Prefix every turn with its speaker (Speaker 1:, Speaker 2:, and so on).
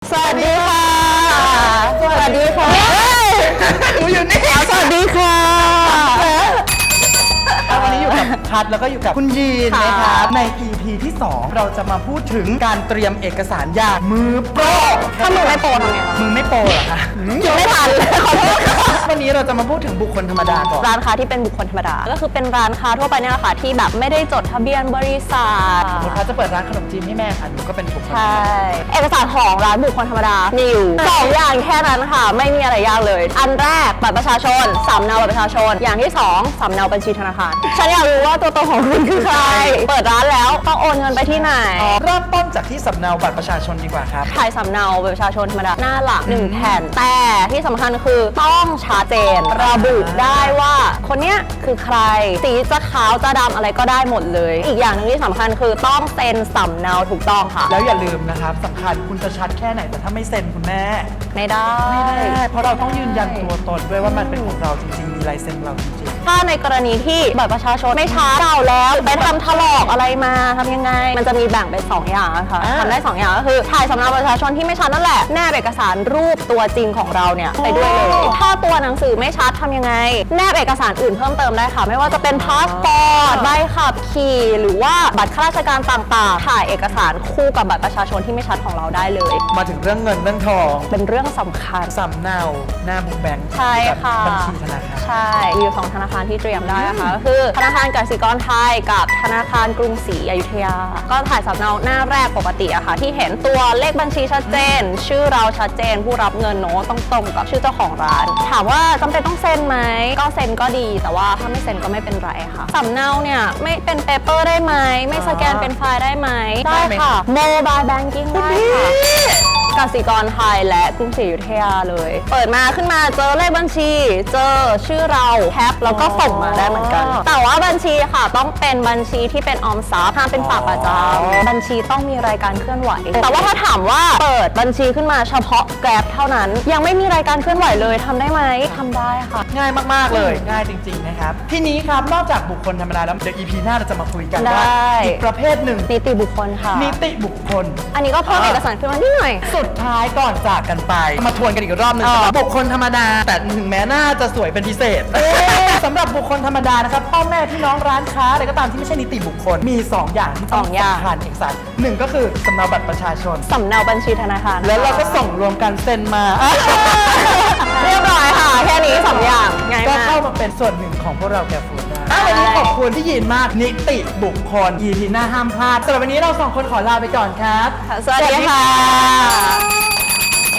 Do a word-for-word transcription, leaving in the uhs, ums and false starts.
Speaker 1: สวัสดีค่ะสวัสดีค่ะ
Speaker 2: หนูอยู่นี่
Speaker 1: สวัสดีค่ะ
Speaker 2: วันนี้อยู่กับพัดแล้วก็อยู่กับคุณยีนนะครับใน อี พี ที่ สอง เราจะมาพูดถึงการเตรียมเอกสารอย่างมือโปร
Speaker 1: ถ้ามือไม่โปรทำไง
Speaker 2: มือไม่โปรเหรอคะ
Speaker 1: ยังไม่ทันเลยขอโทษ
Speaker 2: วันนี้เราจะมาพูดถึงบุคคลธรรมดาก่อน
Speaker 1: ร้านค้าที่เป็นบุคคลธรรมดาก็คือเป็นร้านค้าทั่วไปเนี่ยแหละค่ะที่แบบไม่ได้จดทะเบียนบริษัท
Speaker 2: สมมติพัดจะเปิดร้านขนมจีนให้แม่ค่ะหนูก็เป็นบุคคล
Speaker 1: ใช่เอกสารของร้านบุคคลธรรมดามีอยู่สองอย่างแค่นั้นค่ะไม่มีอะไรยากเลยอันแรกบัตรประชาชนสำเนาบัตรประชาชนอย่างที่สองสำเนาบัญชีธนาคารฉันอยากรู้ว่าตัวตนของคุณคือใครเปิดร้านแล้วต้องโอนเงินไปที่ไหน
Speaker 2: เริ่มต้นจากที่สำเนาบัตรประชาชนดีกว่าครับ
Speaker 1: ถ่ายสำเนาบัตรประชาชนธรรมดาหน้าหลักหนึ่งแผ่นแต่ที่สำคัญคือต้องชัดเจนระบุได้ว่าคนเนี้ยคือใครสีจะขาวจะดำอะไรก็ได้หมดเลยอีกอย่างหนึ่งที่สำคัญคือต้องเซ็นสำเนาถูกต้องค่ะ
Speaker 2: แล้วอย่าลืมนะครับสำคัญคุณจะชัดแค่ไหนแต่ถ้าไม่เซ็นคุณแม่
Speaker 1: ไม่ได้
Speaker 2: ไม่ได้เพราะเราต้องยืนยันตัวตนด้วยว่ามันเป็นของเราจริงๆมีลายเซ็นเราจริง
Speaker 1: ๆถ้าในกรณีที่บัตรประชาชนไม่ชัดเก่าแล้วไปทำถลอกอะไรมาทำยังไงมันจะมีแบ่งเป็นสองอย่างค่ะทำได้สองอย่างก็คือถ่ายสำเนาประชาชนที่ไม่ชัดนั่นแหละแนบเอกสารรูปตัวจริงของเราเนี่ยไปด้วยเลยถ้าตัวหนังสือไม่ชัดทำยังไงแนบเอกสารอื่นเพิ่มเติมได้ค่ะไม่ว่าจะเป็นพาสปอร์ตใบขับขี่หรือว่าบัตรข้าราชการต่างๆถ่ายเอกสารคู่กับบัตรประชาชนที่ไม่ชัดของเราได้เลย
Speaker 2: มาถึงเรื่องเงินเรื่องทอง
Speaker 1: เป็นเรื่องสำคัญ
Speaker 2: สำเนาหน้าบุ๊กแบงค์
Speaker 1: ใช่ค่ะ
Speaker 2: บัญชีธนาคาร
Speaker 1: ใช่มีอยู่สองธนาคารที่เตรียมได้นะคะก็คือธนาคารกสิกรไทยกับธนาคารกรุงศรีอยุธยาก็ถ่ายสำเนาหน้าแรกปกติอะค่ะที่เห็นตัวเลขบัญชีชัดเจนชื่อเราชัดเจนผู้รับเงินโน้ตต้องตรงกับชื่อเจ้าของร้านถามว่าจำเป็นต้องเซ็นไหมก็เซ็นก็ดีแต่ว่าถ้าไม่เซ็นก็ไม่เป็นไรค่ะสำเนาเนี่ยไม่เป็นเปเปอร์ได้ไหมไม่สแกนเป็นไฟล์ได้ไหมได้ค่ะโมบายแบงกิ้งได้ค่ะกสิกรไทยและกรุงศรีอยุธยาเลยเปิดมาขึ้นมาเจอเลขบัญชีเจอชื่อเราแคปแล้วก็ส่งมาได้เหมือนกันแต่ว่าบัญชีค่ะต้องเป็นบัญชีที่เป็นออมทรัพย์ห้ามเป็นฝากประจำบัญชีต้องมีรายการเคลื่อนไหวแต่ว่าถ้าถามว่าเปิดบัญชีขึ้นมาเฉพาะแกร็บเท่านั้นยังไม่มีรายการเคลื่อนไหวเลยทำได้ไหมทำได้ค่ะ
Speaker 2: ง่ายมากๆเลยง่ายจริงๆนะครับทีนี้ครับนอกจากบุคคลธรรมดาแล้วเดี๋ยว อี พี หน้าเราจะมาคุยกันว่าอีกประเภทหนึ่ง
Speaker 1: นิติบุคคลค่ะ
Speaker 2: นิติบุคคล
Speaker 1: อันนี้ก็เพิ่มเอกสารขึ้นมานิดหน่อย
Speaker 2: สุดท้ายก่อนจากกันไปมาทวนกันอีกรอบนึงสำหรับบุคคลธรรมดาแต่ถึงแม้หน้าจะสวยเป็นพิเศษสำหรับบุคคลธรรมดานะครับพ่อแม่พี่น้องร้านค้าอะไรก็ตามที่ไม่ใช่นิติบุคคลมีสองอย่างที่ต้องสำคัญเอกสารหนึ่งก็คือสำเนาบัตรประชาชน
Speaker 1: สำเนาบัญชีธนาคาร
Speaker 2: แล้วเราก็ส่งรวมกันเซ็นมา
Speaker 1: เรียบร้อยค่ะแค่นี้สองอย่างง่ายมาก
Speaker 2: ก็เข้ามาเป็นส่วนหนึ่งของพวกเราแกฟูดได้วันนี้ขอบคุณที่ยินมากนิติบุคคล อี พี หน้าห้ามพลาดสำหรับวันนี้เราสองคนขอลาไปก่อนครับ
Speaker 1: สวัสดีค่ะ